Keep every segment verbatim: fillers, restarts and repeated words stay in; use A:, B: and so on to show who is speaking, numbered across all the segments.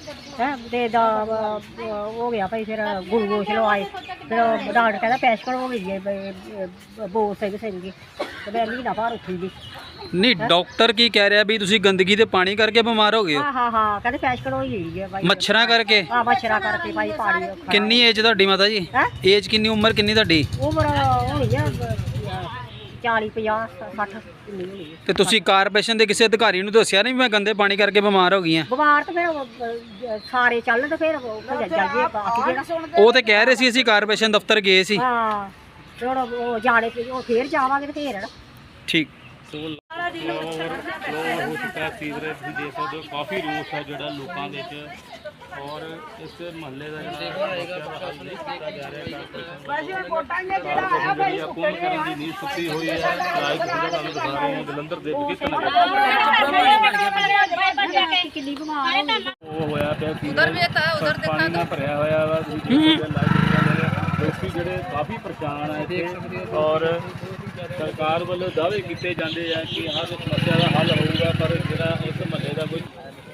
A: है ते हो गया भाई, फिर ग्लूकोश लवाए, फिर डॉक्टर कहता पैशकल हो गई है बोल सिंह सिंह की, तो मैं महीना भर उठी दी।
B: नहीं डॉक्टर की कह रहा भी ਤੁਸੀਂ ਗੰਦਗੀ ਦੇ ਪਾਣੀ ਕਰਕੇ ਬਿਮਾਰ ਹੋ ਗਏ ਹੋ।
A: हाँ हाँ हाँ कहते पैशकल हो गई है भाई,
B: ਮੱਛਰਾਂ ਕਰਕੇ।
A: हाँ मच्छरा करके भाई पानी।
B: ਕਿੰਨੀ ਏਜ ਤੁਹਾਡੀ ਮਾਤਾ ਜੀ?
A: है
B: ਏਜ ਕਿੰਨੀ, ਉਮਰ ਕਿੰਨੀ ਤੁਹਾਡੀ?
A: उम्र होनी है चाली पचास सठ किन्नी होनी है।
B: ਤੇ ਤੁਸੀਂ ਕਾਰਪੋਰੇਸ਼ਨ ਦੇ ਕਿਸੇ ਅਧਿਕਾਰੀ ਨੂੰ ਦੱਸਿਆ ਨਹੀਂ ਮੈਂ ਗੰਦੇ ਪਾਣੀ ਕਰਕੇ ਬਿਮਾਰ ਹੋ ਗਈ ਹਾਂ?
A: बीमार तो फिर सारे चल तो फिर जाइए बाकी जेड़ा
B: ਉਹ ਤੇ ਕਹਿ ਰਹੇ ਸੀ ਅਸੀਂ ਕਾਰਪੋਰੇਸ਼ਨ ਦਫ਼ਤਰ गए ਸੀ।
A: हाँ फिर वो जाने फिर जावांगे तो फिर
B: ठीक।
C: ਫਲੋ ਹੋ ਚੁੱਕਾ ਸੀਵਰੇਜ ਵੀ ਦੇਖ ਸਕਦੇ ਹੋ, ਕਾਫੀ ਰੋਸ ਹੈ ਜਿਹੜਾ ਲੋਕਾਂ ਦੇ ਵਿੱਚ, ਔਰ ਇਸ ਮਹੱਲੇ ਦਾ ਕੌਣ ਕਰਨ ਦੀ ਨੀਂਦ ਸੁੱਤੀ ਹੋਈ ਹੈ। ਰਾਜ ਤੁਸੀਂ ਤੁਹਾਨੂੰ ਦਿਖਾ ਰਹੇ ਹਾਂ ਜਲੰਧਰ ਦੇ ਕਿਸ ਨਗਰ ਉਹ ਹੋਇਆ ਪਿਆ ਸੀ, ਉਧਰ ਵੀ ਤਾਂ ਉਧਰ ਦੇਖਾ ਤਾਂ ਭਰਿਆ ਹੋਇਆ ਵਾ। ਲੋਕੀ ਜਿਹੜੇ ਕਾਫੀ ਪਰੇਸ਼ਾਨ ਆ ਇੱਥੇ, ਔਰ ਸਰਕਾਰ ਵੱਲੋਂ ਦਾਅਵੇ ਕੀਤੇ ਜਾਂਦੇ ਆ ਕਿ ਹਰ ਸਮੱਸਿਆ ਦਾ ਹੱਲ ਹੋਊਗਾ, ਪਰ ਜਿਹੜਾ ਇਸ ਮਹੱਲੇ ਦਾ ਕੋਈ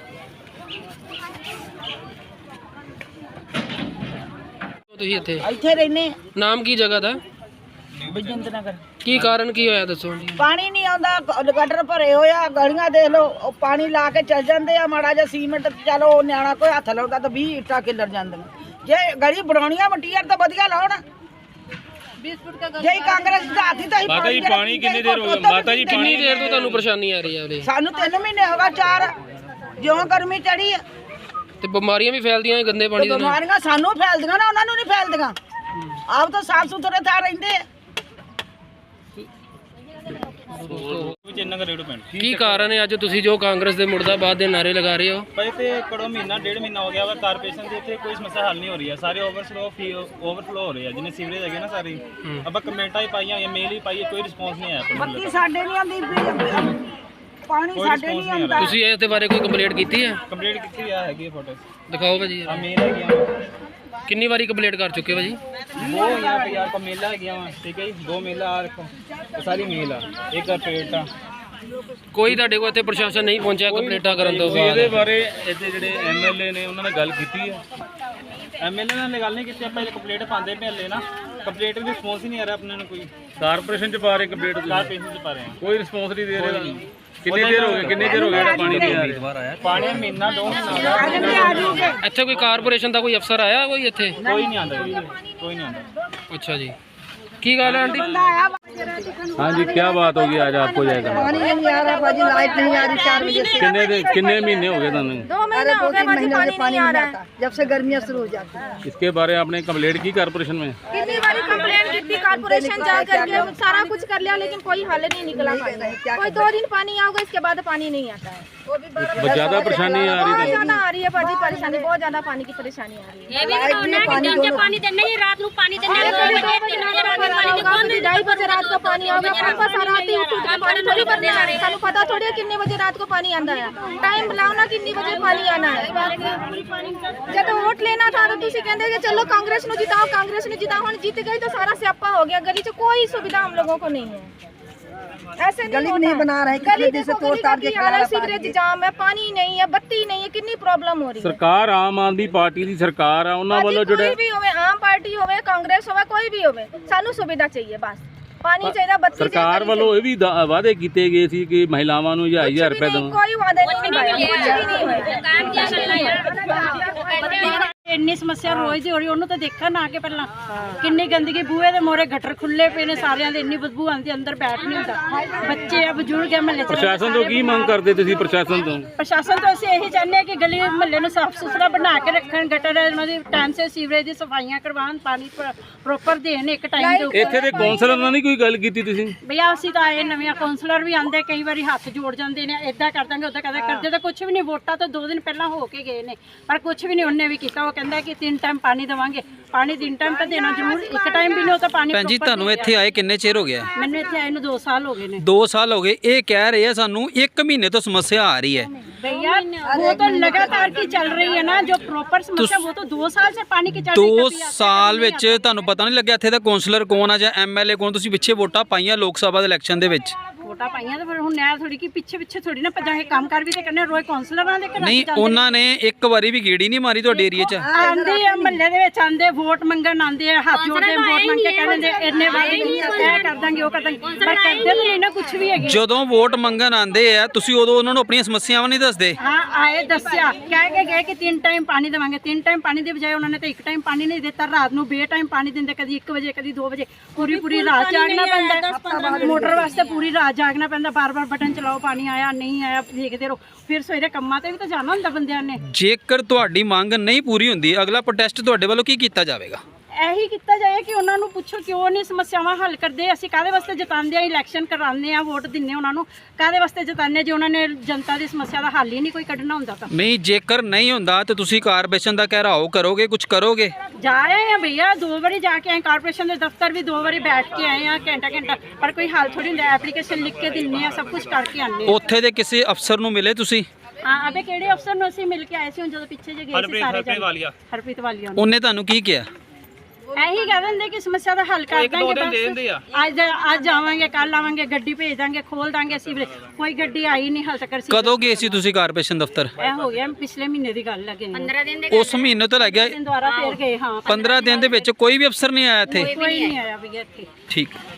D: ਤੁਸੀਂ ਇੱਥੇ
E: ਇੱਥੇ ਰਹਿੰਦੇ
D: ਨਾਮ ਕੀ ਜਗ੍ਹਾ ਦਾ?
E: ਬਜਿੰਦ ਨਗਰ।
D: ਕੀ ਕਾਰਨ ਕੀ ਹੋਇਆ ਦੱਸੋ ਜੀ?
E: ਪਾਣੀ ਨਹੀਂ ਆਉਂਦਾ, ਗਟਰ ਭਰੇ ਹੋਇਆ, ਗਲੀਆਂ ਦੇਖ ਲਓ, ਉਹ ਪਾਣੀ ਲਾ ਕੇ ਚੱਲ ਜਾਂਦੇ ਆ। ਮਾੜਾ ਜਿਹਾ ਸੀਮੈਂਟ ਚਲੋ ਨਿਆਣਾ ਕੋਈ ਹੱਥ ਲਾਉਂਦਾ ਤਾਂ ਵੀਹ ਇੱਟਾਂ ਕਿੱਲਰ ਜਾਂਦੀਆਂ। ਜੇ ਗਲੀ ਬਣਾਉਣੀਆਂ ਮਟੀਰੀਅਲ ਤਾਂ ਵਧੀਆ ਲਾਉਣ। ਜੇ ਕਾਂਗਰਸ ਦਾ ਹੱਥ ਤਾਂ ਹੀ
C: ਮਾਤਾ ਜੀ ਪਾਣੀ ਕਿੰਨੀ ਦੇਰ ਹੋ ਗਈ? ਮਾਤਾ ਜੀ
D: ਕਿੰਨੀ ਦੇਰ ਤੋਂ ਤੁਹਾਨੂੰ ਪਰੇਸ਼ਾਨੀ ਆ ਰਹੀ ਹੈ ਉਰੇ?
E: ਸਾਨੂੰ ਤਿੰਨ ਮਹੀਨੇ ਹੋ ਗਏ, ਚਾਰ, ਜਿਉਂ ਗਰਮੀ ਚੜੀ ਆ
D: ਤੇ ਬਿਮਾਰੀਆਂ ਵੀ ਫੈਲਦੀਆਂ ਇਹ ਗੰਦੇ ਪਾਣੀ ਦੇ ਨਾਲ।
E: ਬਿਮਾਰੀਆਂ ਸਾਨੂੰ ਫੈਲਦੀਆਂ ਨਾ, ਉਹਨਾਂ ਨੂੰ ਨਹੀਂ ਫੈਲਦੀਆਂ। ਆਪ ਤਾਂ ਸਾਫ ਸੁਥਰੇ ਥਾਂ ਰਹਿੰਦੇ ਆ।
D: ਕੀ ਕਾਰਨ ਹੈ ਅੱਜ ਤੁਸੀਂ ਜੋ ਕਾਂਗਰਸ ਦੇ ਮੁਰਦਾਬਾਦ ਦੇ ਨਾਰੇ ਲਗਾ ਰਹੇ ਹੋ?
C: ਭਾਈ ਤੇ ਕੜੋ ਮਹੀਨਾ ਡੇਢ ਮਹੀਨਾ ਹੋ ਗਿਆ ਵਾ, ਕਾਰਪੋਰੇਸ਼ਨ ਦੇ ਇੱਥੇ ਕੋਈ ਸਮੱਸਿਆ ਹੱਲ ਨਹੀਂ ਹੋ ਰਹੀ ਹੈ। ਸਾਰੇ ਓਵਰਫਲੋ ਓਵਰਫਲੋ ਹੋ ਰਹੇ ਆ, ਜਿੰਨੇ ਸੀਵਰੇਜ ਹੈਗੇ ਨਾ ਸਾਰੇ। ਆਪਾਂ ਕਮੈਂਟਾਂ ਹੀ ਪਾਈਆਂ ਹੋਈਆਂ, ਮੇਲ ਹੀ ਪਾਈ, ਕੋਈ ਰਿਸਪੌਂਸ ਨਹੀਂ ਆਇਆ।
E: ਬੱਤੀ ਸਾਡੇ ਨਹੀਂ ਆਉਂਦੀ, ਪਾਣੀ ਸਾਡੇ ਨਹੀਂ ਆਉਂਦਾ।
D: ਤੁਸੀਂ ਇਸ ਦੇ ਬਾਰੇ ਕੋਈ ਕੰਪਲੇਂਟ ਕੀਤੀ ਹੈ?
C: ਕੰਪਲੀਟ ਕੀਤੀ ਆ ਹੈਗੀ ਫੋਟੋ
D: ਦਿਖਾਓ ਭਾਜੀ।
C: ਆ ਮੇਲ ਹੈਗੀਆਂ,
D: ਕਿੰਨੀ ਵਾਰੀ ਕੰਪਲੇਂਟ ਕਰ ਚੁੱਕੇ ਭਾਜੀ?
C: ਦੋ ਹਜ਼ਾਰ ਪੰਜਾਹ ਕੋ ਮੇਲਾ ਹੈਗੀਆਂ ਵਾ, ਠੀਕ ਹੈ ਜੀ। ਦੋ ਮੇਲਾ ਆ ਰੱਖੋ, ਇਹ ਸਾਰੀ ਮੇਲ ਆ, ਇੱਕ ਆ ਪੇਟ ਆ।
D: ਕੋਈ ਤੁਹਾਡੇ ਕੋਲ ਇੱਥੇ ਪ੍ਰਸ਼ਾਸਨ ਨਹੀਂ ਪਹੁੰਚਿਆ ਕੰਪਲੇਂਟਾਂ ਕਰਨ ਤੋਂ
C: ਤੁਸੀਂ
D: ਬਾਅਦ?
C: ਇਹਦੇ ਬਾਰੇ ਇੱਥੇ ਜਿਹੜੇ ਐਮਐਲਏ ਨੇ ਉਹਨਾਂ ਨਾਲ ਗੱਲ ਕੀਤੀ ਹੈ? ਐਮਐਲਏ ਨਾਲ ਗੱਲ ਨਹੀਂ ਕੀਤੀ। ਆਪਾਂ ਇਹ ਕੰਪਲੀਟ ਪਾਉਂਦੇ ਪਏ ਹਲੇ ਨਾ, ਕੰਪਲੀਟ ਦੀ ਰਿਸਪੌਂਸ ਹੀ ਨਹੀਂ ਆ ਰਿਹਾ ਆਪਣੇ ਨੂੰ। ਕੋਈ ਕਾਰਪੋਰੇਸ਼ਨ ਚ ਪਾ ਰਹੇ ਕੰਪਲੀਟ, ਕਾਰਪੋਰੇਸ਼ਨ ਚ ਪਾ ਰਹੇ ਕੋਈ ਰਿਸਪੌਂਸ ਨਹੀਂ ਦੇ ਰਹੇ। ਕਿੰਨੀ ਦੇਰ ਹੋ ਗਈ, ਕਿੰਨੀ ਦੇਰ ਹੋ ਗਿਆ ਪਾਣੀ ਨਹੀਂ ਆ ਰਿਹਾ? ਪਾਣੀ ਮਹੀਨਾ ਦੋ ਮਹੀਨਾ
D: ਇੱਥੇ ਕੋਈ ਕਾਰਪੋਰੇਸ਼ਨ ਦਾ ਕੋਈ ਅਫਸਰ ਆਇਆ ਕੋਈ ਇੱਥੇ?
C: ਕੋਈ ਨਹੀਂ ਆਉਂਦਾ, ਕੋਈ ਨਹੀਂ ਆਉਂਦਾ।
D: ਅੱਛਾ ਜੀ, ਕੀ ਗੱਲ ਹੈ ਆਂਟੀ?
C: हाँ जी, क्या बात होगी आज आपको जाएगा?
E: पानी नहीं आ रहा भाजी, लाइट नहीं आ रही चार बजे से।
C: किन्ने दे- किन्ने महीने हो गए तुम्हें?
E: दो महीने हो गए भाजी, पानी नहीं आ रहा है जब से गर्मियाँ शुरू हो जाती है।
C: इसके बारे में आपने कंप्लेंट की कारपोरेशन में?
F: कितनी बारी कंप्लेंट की थी, कारपोरेशन जा करके सारा कुछ कर लिया, लेकिन कोई हल नहीं निकला। कोई दो दिन पानी आएगा, इसके बाद पानी नहीं आता है।
C: बहुत ज्यादा परेशानी आ रही
F: बहुत
C: है।
F: ज्यादा आ रही है भाजी परेशानी, बहुत ज्यादा पानी की परेशानी आ रही है।
A: ये भी बताओ ना कि दिन के पानी देना ही, रात को पानी देना है, दो बजे तीन बजे रात को पानी देना है।
F: ढाई बजे रात को पानी आएगा, पापा सारा आती उठ उठ के पानी थोड़ी भरने आ रहे हैं। सानू पता थोड़ी है कितने बजे रात को पानी आंदा है। टाइम लाओ ना, कितने बजे पानी आना है। जब वोट लेना था तो तुसी कहंदे कि चलो कांग्रेस नु जिताओ, कांग्रेस नु जिताओ। हुण जीत गई तो सारा स्यापा हो गया। गली च कोई सुविधा हम लोगों को नहीं है। ऐसे नहीं
E: गली
F: होता।
E: नहीं बना रहे,
F: गली
E: कितने दिन से
F: देखो,
E: तोड़
F: गली
E: ताड़
F: का
E: के
F: की हाल है,
E: खड़ा
F: सीवरेज जाम है, पानी नहीं है, बत्ती नहीं है, कितनी प्रॉब्लम हो रही है।
C: ਸਰਕਾਰ ਆਮ ਆਦਮੀ ਪਾਰਟੀ ਦੀ ਸਰਕਾਰ ਆ, ਉਹਨਾਂ ਵੱਲੋਂ
F: कोई
C: ਜਿਹੜੇ
F: भी होवे, आम पार्टी होवे, कांग्रेस होवे, कोई भी होवे, सानू सुविधा चाहिए बस। पानी चाहिए, बत्ती चाहिए।
C: ਸਰਕਾਰ ਵੱਲੋਂ ਇਹ ਵੀ ਦਾ- ਵਾਅਦੇ ਕੀਤੇ ਗਏ ਸੀ ਕਿ ਮਹਿਲਾਵਾਂ ਨੂੰ ਹਜ਼ਾਰ ਹਜ਼ਾਰ ਰੁਪਏ ਦੇਵਾਂ।
F: कोई वादा नहीं होया, कुछ भी नहीं होया।
A: ਇੰਨੀ ਸਮੱਸਿਆ ਰੋਜ਼ ਦੀ ਹੋ ਰਹੀ, ਉਹਨੂੰ ਤਾਂ ਦੇਖਣ ਆ ਕੇ ਪਹਿਲਾਂ ਕਿੰਨੀ ਗੰਦਗੀ, ਬੂਹੇ ਦੇ ਮੋਰੇ ਗਟਰ ਖੁੱਲੇ ਪਏ ਨੇ ਸਾਰਿਆਂ ਦੇ, ਇੰਨੀ ਬਦਬੂ ਆਉਂਦੀ, ਅੰਦਰ ਬੈਠ ਨਹੀਂ ਹੁੰਦਾ। ਬੱਚੇ ਆ, ਬਜ਼ੁਰਗ ਆ, ਮਹੱਲੇ ਚ
C: ਪ੍ਰਸ਼ਾਸਨ ਤੋਂ ਕੀ ਮੰਗ ਕਰਦੇ ਤੁਸੀਂ? ਪ੍ਰਸ਼ਾਸਨ ਤੋਂ
A: ਪ੍ਰਸ਼ਾਸਨ ਤੋਂ ਅਸੀਂ ਇਹੀ ਚਾਹੁੰਦੇ ਹਾਂ ਕਿ ਗਲੀ ਮਹੱਲੇ ਨੂੰ ਸਾਫ਼ ਸੁਥਰਾ ਬਣਾ ਕੇ ਰੱਖਣ, ਗਟਰ ਉਹਨਾਂ ਦੀ ਟਾਈਮ ਸੇ ਸੀਵਰੇਜ ਦੀ ਸਫਾਈਆਂ ਕਰਵਾਉਣ, ਪਾਣੀ ਪ੍ਰੋਪਰ ਦੇਣ ਇੱਕ ਟਾਈਮ ਦੇ ਉੱਤੇ।
C: ਇੱਥੇ ਦੇ ਕੌਂਸਲਰ ਨਾਲ ਨਹੀਂ ਕੋਈ ਗੱਲ ਕੀਤੀ ਤੁਸੀਂ?
A: ਭਈਆ ਅਸੀਂ ਤਾਂ ਆਏ ਨਵੇਂ ਕਾਉਂਸਲਰ ਵੀ ਆਉਂਦੇ, ਕਈ ਵਾਰੀ ਹੱਥ ਜੋੜ ਜਾਂਦੇ ਨੇ, ਇਦਾਂ ਕਰ ਦਾਂਗੇ ਉਦਾਂ ਕਰਦੇ ਕਰਦੇ ਤਾਂ ਕੁਝ ਵੀ ਨਹੀਂ। ਵੋਟਾਂ ਤੋਂ ਦੋ ਦਿਨ ਪਹਿਲਾਂ ਹੋ ਕੇ ਗਏ ਨੇ, ਪਰ ਕੁਝ ਵੀ ਨਹੀਂ ਉਹਨੇ ਵੀ ਕੀਤਾ। ਉਹ ਕਹਿੰਦਾ ਕਿ ਤਿੰਨ ਟਾਈਮ ਪਾਣੀ ਦੇਵਾਂਗੇ, ਪਾਣੀ ਦਿਨ ਟਾਈਮ ਤਾਂ ਦੇਣਾ ਜ਼ਰੂਰ, ਇੱਕ ਟਾਈਮ ਵੀ ਨਹੀਂ ਉਹ ਤਾਂ ਪਾਣੀ
B: ਭੈਣ ਜੀ
A: proper
B: ਤੁਹਾਨੂੰ
A: ਦੇ
B: ਇੱਥੇ ਆਏ ਕਿੰਨੇ ਚਿਰ ਹੋ ਗਿਆ?
A: ਮੈਨੂੰ ਇੱਥੇ ਆਏ ਨੂੰ ਦੋ ਸਾਲ ਹੋ ਗਏ ਨੇ।
B: ਦੋ ਸਾਲ ਹੋ ਗਏ। ਇਹ ਕਹਿ ਰਹੇ ਆ ਸਾਨੂੰ ਇੱਕ ਮਹੀਨੇ ਤੋਂ ਸਮੱਸਿਆ ਆ ਰਹੀ ਹੈ।
A: भैया वो तो लगातार की चल रही है ना, जो प्रॉपर समस्या वो तो दो साल से पानी की चल रही है।
B: ਦੋ
A: कभी आता है,
B: ਸਾਲ
A: कभी
B: ਵਿੱਚ ਤੁਹਾਨੂੰ ਪਤਾ ਨਹੀਂ ਲੱਗਿਆ ਇੱਥੇ ਦਾ ਕੌਂਸਲਰ ਕੌਣ ਆ ਜਾਂ ਐਮਐਲਏ ਕੌਣ? ਤੁਸੀਂ ਪਿੱਛੇ ਵੋਟਾਂ ਪਾਈਆਂ ਲੋਕ ਸਭਾ ਦੇ ਇਲੈਕਸ਼ਨ ਦੇ ਵਿੱਚ।
A: ਵੋਟਾਂ ਪਾਈਆਂ ਤਾਂ ਫਿਰ ਹੁਣ ਨਹਿਰ ਥੋੜੀ ਕਿ ਪਿੱਛੇ ਪਿੱਛੇ ਥੋੜੀ ਨਾ ਭਜਾਂਗੇ, ਕੰਮ ਕਰ ਵੀ ਤੇ ਕਰਨੇ, ਰੋਜ਼ ਕੌਂਸਲਰਾਂ ਦੇ ਘਰਾਂ
B: ਨਹੀਂ, ਉਹਨਾਂ ਨੇ ਇੱਕ ਵਾਰੀ ਵੀ ਗੇੜੀ ਨਹੀਂ ਮਾਰੀ ਤੁਹਾਡੇ ਏਰੀਆ 'ਚ?
A: ਆਂਦੇ ਆ ਮਹੱਲੇ ਦੇ ਵਿੱਚ, ਆਂਦੇ ਵੋਟ ਮੰਗਣ ਆਂਦੇ ਆ, ਹੱਥ ਜੋੜਦੇ ਵੋਟ ਮੰਗ ਕੇ ਕਹਿੰਦੇ ਇੰਨੇ ਵਾਰੀ ਇਹ ਕਰ ਦਾਂਗੇ ਉਹ ਕਰ ਦਾਂਗੇ, ਪਰ ਕਰਦੇ ਤਾਂ ਨਹੀਂ ਨਾ ਕੁਝ ਵੀ ਹੈਗੇ।
B: ਜਦੋਂ ਵੋਟ ਮੰਗਣ ਆਂਦੇ ਆ ਤੁਸੀਂ ਉਦੋਂ ਉਹਨਾਂ ਨੂੰ ਆਪਣੀਆਂ ਸਮੱਸਿਆਵਾਂ ਨਹੀਂ ਦੱਸਦੇ?
A: ਹਾਂ ਆਏ ਦੱਸਿਆ, ਕਹਿ ਕੇ ਗਏ ਕਿ ਤਿੰਨ ਟਾਈਮ ਪਾਣੀ ਦੇਵਾਂਗੇ, ਤਿੰਨ ਟਾਈਮ ਪਾਣੀ ਦੇ ਬਜਾਏ ਉਹਨਾਂ ਨੇ ਤਾਂ ਇੱਕ ਟਾਈਮ ਪਾਣੀ ਨਹੀਂ ਦਿੱਤਾ। ਰਾਤ ਨੂੰ ਬੇ ਟਾਈਮ ਪਾਣੀ ਦਿੰਦੇ, ਕਦੀ ਇੱਕ ਵਜੇ ਕਦੀ ਦੋ ਵਜੇ, ਪੂਰੀ ਪੂਰੀ ਰਾਤ ਜਾਗਣਾ ਪੈਂਦਾ। ਮੋਟਰ ਵਾਸਤੇ ਪੂਰੀ ਰਾਤ ਜਾਗਣਾ ਪੈਂਦਾ, ਬਾਰ ਬਾਰ ਬਟਨ ਚਲਾਓ, ਪਾਣੀ ਆਇਆ ਨਹੀਂ ਆਇਆ ਦੇਖਦੇ ਰਹੋ, ਫਿਰ ਸਵੇਰੇ ਕੰਮਾਂ ਤੇ ਵੀ ਤਾਂ ਜਾਣਾ ਹੁੰਦਾ ਬੰਦਿਆਂ ਨੇ।
B: ਜੇਕਰ ਤੁਹਾਡੀ ਮੰਗ ਨਹੀਂ ਪੂਰੀ ਹੁੰਦੀ ਅਗਲਾ ਪ੍ਰੋਟੈਸਟ ਤੁਹਾਡੇ ਵੱਲੋਂ ਕੀ ਕੀਤਾ ਜਾਵੇਗਾ?
A: ਇਹੀ ਕੀਤਾ ਜਾਏ ਕਿ ਉਹਨਾਂ ਨੂੰ ਪੁੱਛੋ ਕਿਉਂ ਨਹੀਂ ਸਮੱਸਿਆਵਾਂ ਹੱਲ ਕਰਦੇ। ਅਸੀਂ ਕਾਹਦੇ ਵਾਸਤੇ ਜਿਤਾਉਂਦੇ ਆ, ਇਲੈਕਸ਼ਨ ਕਰਾਉਂਦੇ ਆ, ਵੋਟ ਦਿੰਨੇ ਉਹਨਾਂ ਨੂੰ, ਕਾਹਦੇ ਵਾਸਤੇ ਜਿਤਾਉਂਦੇ ਜੇ ਉਹਨਾਂ ਨੇ ਜਨਤਾ ਦੀ ਸਮੱਸਿਆ ਦਾ ਹੱਲ ਹੀ ਨਹੀਂ ਕੋਈ ਕੱਢਣਾ ਹੁੰਦਾ ਤਾਂ।
B: ਨਹੀਂ, ਜੇਕਰ ਨਹੀਂ ਹੁੰਦਾ ਤੇ ਤੁਸੀਂ ਕਾਰਪੋਰੇਸ਼ਨ ਦਾ ਘਿਰਾਓ ਕਰੋਗੇ, ਕੁਝ ਕਰੋਗੇ?
A: ਜਾ ਆਏ ਆ ਭਈਆ, ਦੋ ਵਾਰੀ ਜਾ ਕੇ ਆਏ, ਕਾਰਪੋਰੇਸ਼ਨ ਦੇ ਦਫ਼ਤਰ ਵੀ ਦੋ ਵਾਰੀ ਬੈਠ ਕੇ ਆਏ ਆ ਘੰਟਾ ਘੰਟਾ, ਪਰ ਕੋਈ ਹੱਲ ਥੋੜੀ ਹੁੰਦਾ। ਐਪਲੀਕੇਸ਼ਨ ਲਿਖ ਕੇ ਦਿੰਨੇ ਆ, ਸਭ ਕੁਝ ਕਰਕੇ ਆਉਂਦੇ ਆ।
B: ਉੱਥੇ ਦੇ ਕਿਸੇ ਅਫਸਰ ਨੂੰ ਮਿਲੇ ਤੁਸੀਂ?
A: ਹਾਂ ਅਬੇ ਕਿਹੜੇ ਅਫਸਰ ਨੂੰ ਅਸੀਂ ਮਿਲ ਕੇ ਆਏ ਸੀ ਹੁਣ ਜਦੋਂ ਪਿੱਛੇ ਜੇ ਗਏ ਸੀ ਸਾਰੇ ਜਣੇ। ਹਰਪ੍ਰੀਤ ਵਾਲੀਆ ਨੂੰ।
B: ਉਹਨੇ ਤੁਹਾਨੂੰ ਕੀ ਕਿਹਾ?
A: ਇਹੀ ਕਹਿ ਦਿੰਦੇ ਕਿ ਸਮੱਸਿਆ ਦਾ ਹੱਲ ਕਰ ਦਾਂਗੇ, ਬਸ ਅੱਜ ਅੱਜ ਆਵਾਂਗੇ, ਕੱਲ ਆਵਾਂਗੇ, ਗੱਡੀ ਭੇਜ ਦਾਂਗੇ, ਖੋਲ ਦਾਂਗੇ ਸੀਵਰੇਜ। ਕੋਈ ਗੱਡੀ ਆਈ ਨਹੀਂ ਹਾਲ ਤੱਕ।
B: ਕਦੋਂ ਗਏ ਸੀ ਤੁਸੀਂ ਕਾਰਪੋਰੇਸ਼ਨ ਦਫ਼ਤਰ?
A: ਇਹ ਹੋ ਗਿਆ ਪਿਛਲੇ ਮਹੀਨੇ ਦੀ ਗੱਲ ਲੱਗੇ ਪੰਦਰਾਂ ਦਿਨ
B: ਉਸ ਮਹੀਨੇ ਤੋਂ ਲੱਗ ਗਿਆ
A: ਦਿਨ ਦੁਆਰਾ ਫੇਰ ਗਏ। ਹਾਂ
B: ਪੰਦਰਾਂ ਦਿਨ ਦੇ ਵਿੱਚ ਕੋਈ ਵੀ ਅਫਸਰ ਨਹੀਂ ਆਇਆ ਇੱਥੇ?
A: ਕੋਈ ਨਹੀਂ ਆਇਆ ਭਈਆ ਇੱਥੇ।
B: ਠੀਕ।